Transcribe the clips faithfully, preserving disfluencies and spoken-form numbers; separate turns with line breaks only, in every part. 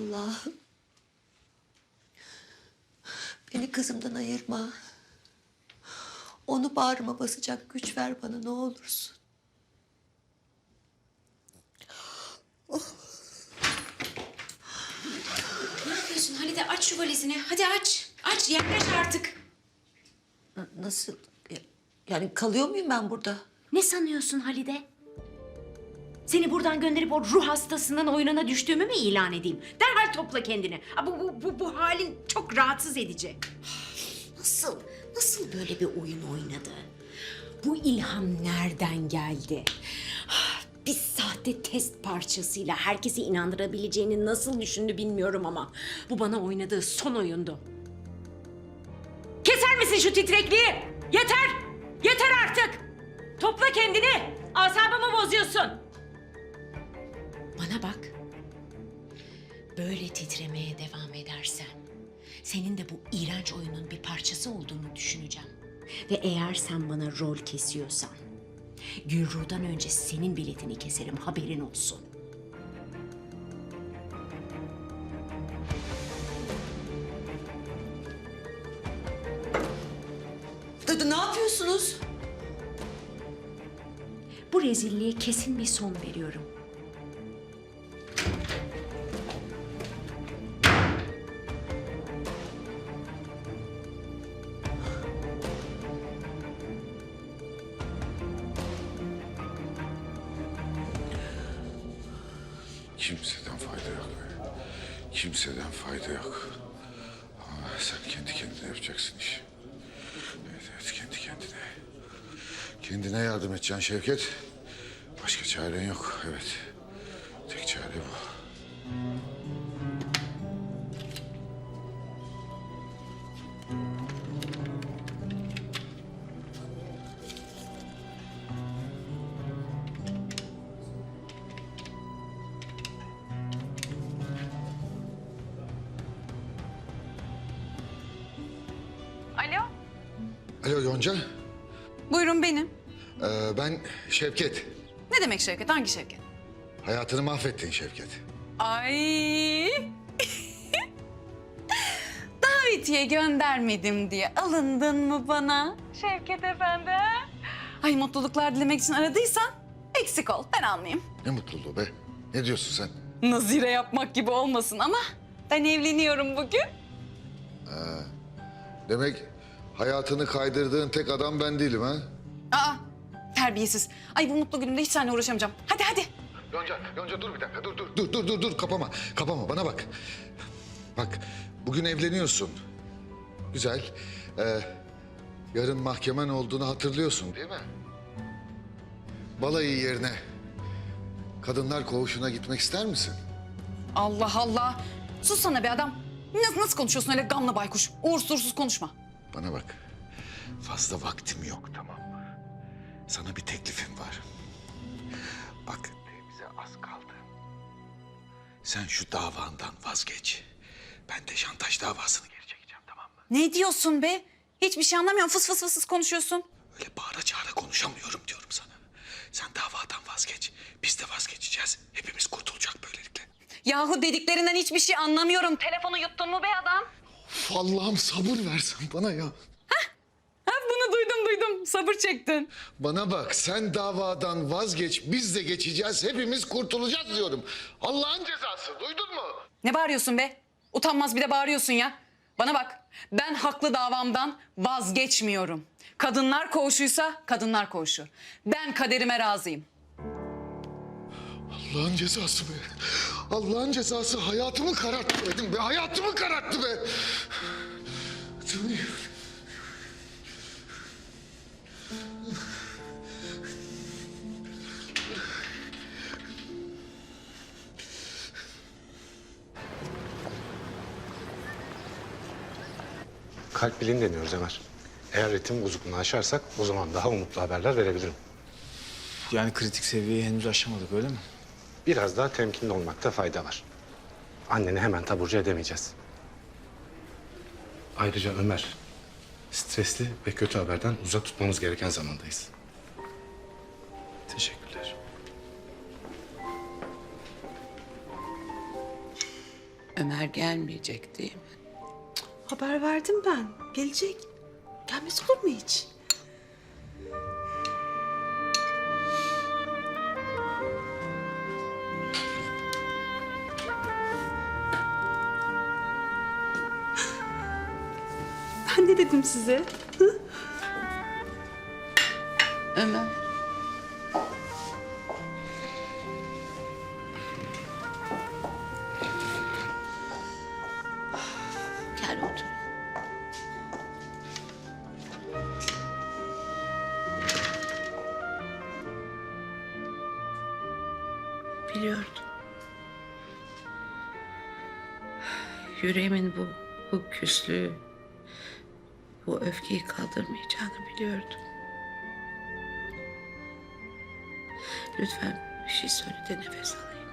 Allah'ım. Beni kızımdan ayırma. Onu bağrıma basacak güç ver bana ne olursun.
Ne yapıyorsun Halide? Aç şu valizini. Hadi aç. Aç, yaklaş artık.
Nasıl? Yani kalıyor muyum ben burada?
Ne sanıyorsun Halide? Seni buradan gönderip o ruh hastasının oyununa düştüğümü mü ilan edeyim? Derhal topla kendini. Aa, Bu, bu, bu, bu halin çok rahatsız edici. Nasıl, nasıl böyle bir oyun oynadı? Bu ilham nereden geldi? Bir sahte test parçasıyla herkesi inandırabileceğini nasıl düşündü bilmiyorum ama bu bana oynadığı son oyundu. Keser misin şu titrekliği? Yeter! Yeter artık! Topla kendini! Asabımı bozuyorsun! Bana bak. Böyle titremeye devam edersen senin de bu iğrenç oyunun bir parçası olduğunu düşüneceğim. Ve eğer sen bana rol kesiyorsan Gülruh'dan önce senin biletini keserim, haberin olsun.
Dadı ne yapıyorsunuz?
Bu rezilliğe kesin bir son veriyorum.
Kimseden fayda yok. Kimseden fayda yok. Ama sen kendi kendine yapacaksın işi. Evet, evet, kendi kendine. Kendine yardım edeceksin Şevket. Başka çaren yok, evet. Tek çare bu.
Alo,
Alo Yonca.
buyurun benim.
Ee, ben Şevket.
Ne demek Şevket? Hangi Şevket?
Hayatını mahvettin Şevket.
Ay. Davetiye göndermedim diye alındın mı bana? Şevket Efendi. Ay mutluluklar dilemek için aradıysan eksik ol, ben almayayım.
Ne mutluluğu be. Ne diyorsun sen?
Nazire yapmak gibi olmasın ama ben evleniyorum bugün.
Demek hayatını kaydırdığın tek adam ben değilim ha?
Aa, terbiyesiz. Ay bu mutlu günümde hiç seninle uğraşamayacağım. Hadi hadi.
Yonca, Yonca dur bir dakika. Dur, dur, dur, dur, dur, dur. Kapama, kapama. Bana bak. Bak, bugün evleniyorsun. Güzel. Ee, yarın mahkemen olduğunu hatırlıyorsun değil mi? Balayı yerine kadınlar koğuşuna gitmek ister misin?
Allah Allah. Sus sana be adam. Nasıl, nasıl konuşuyorsun öyle gamlı baykuş? Uğursuz uğursuz konuşma.
Bana bak. Fazla vaktim yok, tamam mı? Sana bir teklifim var. Bak, bize az kaldı. Sen şu davandan vazgeç. Ben de şantaj davasını geri çekeceğim, tamam mı?
Ne diyorsun be? Hiçbir şey anlamıyorum. Fıs fıs fıs fıs konuşuyorsun.
Öyle bağıra çağıra konuşamıyorum diyorum sana. Sen davadan vazgeç. Biz de vazgeçeceğiz. Hepimiz kurtulacak böylelikle.
Yahu dediklerinden hiçbir şey anlamıyorum. Telefonu yuttun mu be adam?
Of, Allah'ım sabır versen bana ya.
Ha, bunu duydum duydum. Sabır çektin.
Bana bak, sen davadan vazgeç. Biz de geçeceğiz. Hepimiz kurtulacağız diyorum. Allah'ın cezası, duydun mu?
Ne bağırıyorsun be? Utanmaz bir de bağırıyorsun ya. Bana bak. Ben haklı davamdan vazgeçmiyorum. Kadınlar koğuşuysa kadınlar koğuşu. Ben kaderime razıyım.
Allah'ın cezası be. Allah'ın cezası hayatımı kararttı dedim be. Hayatımı kararttı be.
Kalp bileğini deniyoruz Ömer. Eğer ritim bozukluğunu aşarsak o zaman daha umutlu haberler verebilirim.
Yani kritik seviyeyi henüz aşamadık öyle mi?
Biraz daha temkinli olmakta fayda var. Anneni hemen taburcu edemeyeceğiz. Ayrıca Ömer, stresli ve kötü haberden uzak tutmamız gereken zamandayız.
Teşekkürler.
Ömer gelmeyecek değil mi?
Haber verdim ben. Gelecek. Gelmez olur mu hiç? Ben ne dedim size? Hı?
Ömer. Gel otur. Biliyordum. Yüreğimin bu, bu küslüğü, bu öfkeyi kaldırmayacağını biliyordum. Lütfen bir şey söyle de nefes alayım.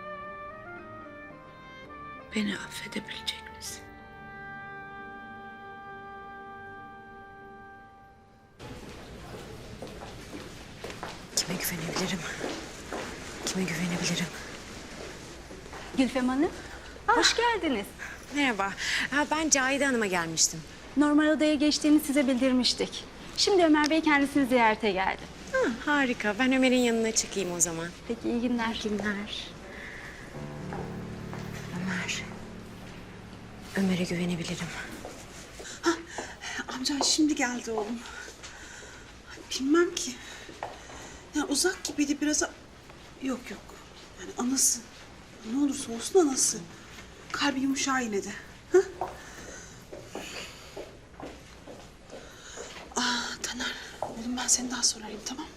Beni affedebilecek misin?
Kime güvenebilirim? Kime güvenebilirim?
Gülfem Hanım, hoş geldiniz.
Merhaba. Ha, ben Cahide Hanım'a gelmiştim.
Normal odaya geçtiğini size bildirmiştik. Şimdi Ömer Bey kendisini ziyarete geldi.
Ha, harika. Ben Ömer'in yanına çıkayım o zaman.
Peki, iyi günler.
İyi günler. Ömer. Ömer'e güvenebilirim.
Amcan şimdi geldi oğlum. Bilmem ki. Yani uzak gibiydi biraz. a- Yok yok. Yani anası. Ne olursa olsun anası. Kalbi yumuşar yine de. Hı? Ah Taner. Oğlum ben seni daha sonra arayayım, tamam mı?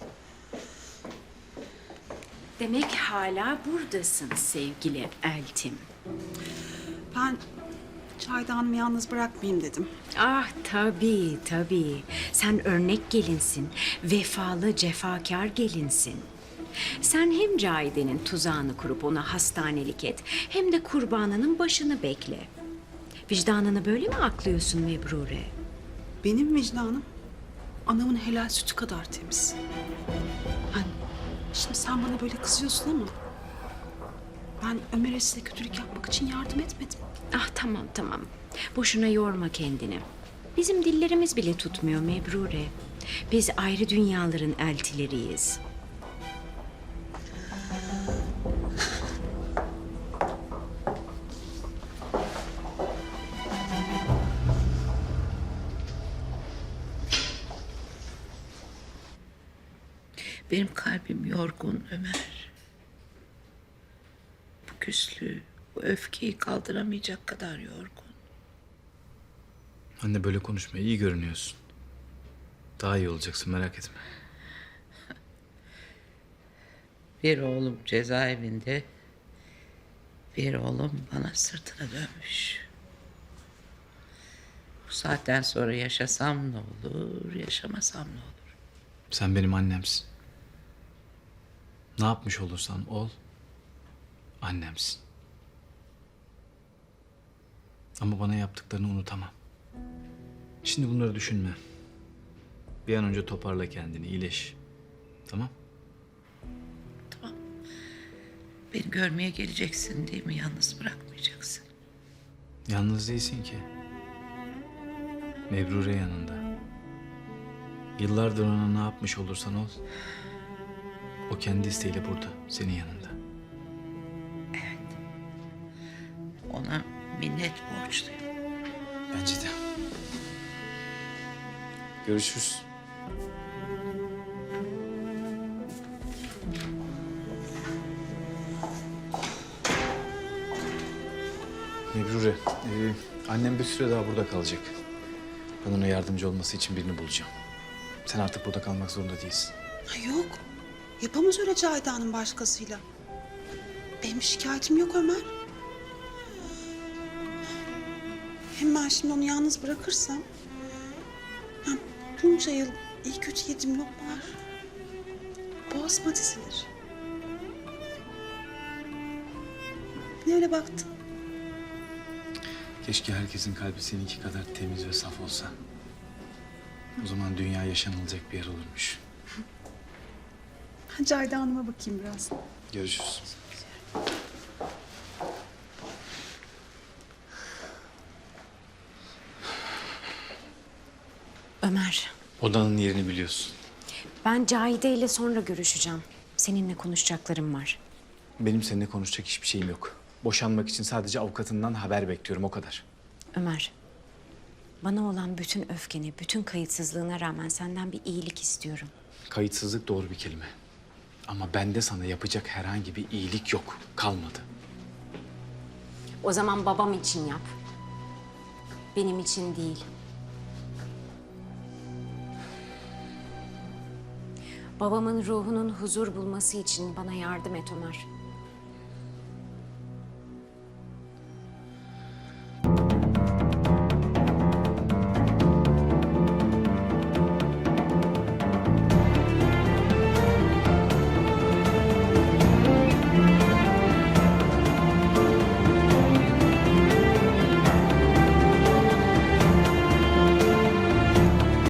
Demek hala buradasın sevgili Eltim.
Ben Cahide Hanım'ı yalnız bırakmayayım dedim.
Ah tabii tabii. Sen örnek gelinsin. Vefalı cefakar gelinsin. Sen hem Cahide'nin tuzağını kurup ona hastanelik et, hem de kurbanının başını bekle. Vicdanını böyle mi aklıyorsun Mebrure?
Benim vicdanım anamın helal sütü kadar temiz. Yani şimdi sen bana böyle kızıyorsun ama ben Ömer'e size kötülük yapmak için yardım etmedim.
Ah tamam tamam. Boşuna yorma kendini. Bizim dillerimiz bile tutmuyor Mebrure. Biz ayrı dünyaların eltileriyiz.
Benim kalbim yorgun Ömer. Bu küslüğü, bu öfkeyi kaldıramayacak kadar yorgun.
Anne böyle konuşma. İyi görünüyorsun. Daha iyi olacaksın, merak etme.
Bir oğlum cezaevinde, bir oğlum bana sırtını dönmüş. Bu saatten sonra yaşasam ne olur, yaşamasam ne olur?
Sen benim annemsin. Ne yapmış olursan ol, annemsin. Ama bana yaptıklarını unutamam. Şimdi bunları düşünme. Bir an önce toparla kendini, iyileş. Tamam?
Tamam. Beni görmeye geleceksin değil mi? Yalnız bırakmayacaksın.
Yalnız değilsin ki. Mebrure yanında. Yıllardır ona ne yapmış olursan ol, o kendi isteğiyle burada, senin yanında.
Ona minnet borçluyum.
Bence de. Görüşürüz. Mebrure, e, annem bir süre daha burada kalacak. Ben ona yardımcı olması için birini bulacağım. Sen artık burada kalmak zorunda değilsin.
Ha, yok. Yapamaz öyle Cahide Hanım başkasıyla. Benim şikayetim yok Ömer. Hem ben şimdi onu yalnız bırakırsam... Ha, bunca yıl iyi kötü yediğim lokmalar boğazıma dizilir. Ne öyle baktın?
Keşke herkesin kalbi seninki kadar temiz ve saf olsa. O zaman dünya yaşanılacak bir yer olurmuş.
Ha, Cahide Hanım'a bakayım biraz.
Görüşürüz.
Ömer,
Odanın yerini biliyorsun.
ben Cahide ile sonra görüşeceğim. Seninle konuşacaklarım var.
Benim seninle konuşacak hiçbir şeyim yok. Boşanmak için sadece avukatından haber bekliyorum, o kadar.
Ömer, bana olan bütün öfkeni, bütün kayıtsızlığına rağmen senden bir iyilik istiyorum.
Kayıtsızlık doğru bir kelime. Ama bende sana yapacak herhangi bir iyilik yok. Kalmadı.
O zaman babam için yap. Benim için değil. Babamın ruhunun huzur bulması için bana yardım et Ömer.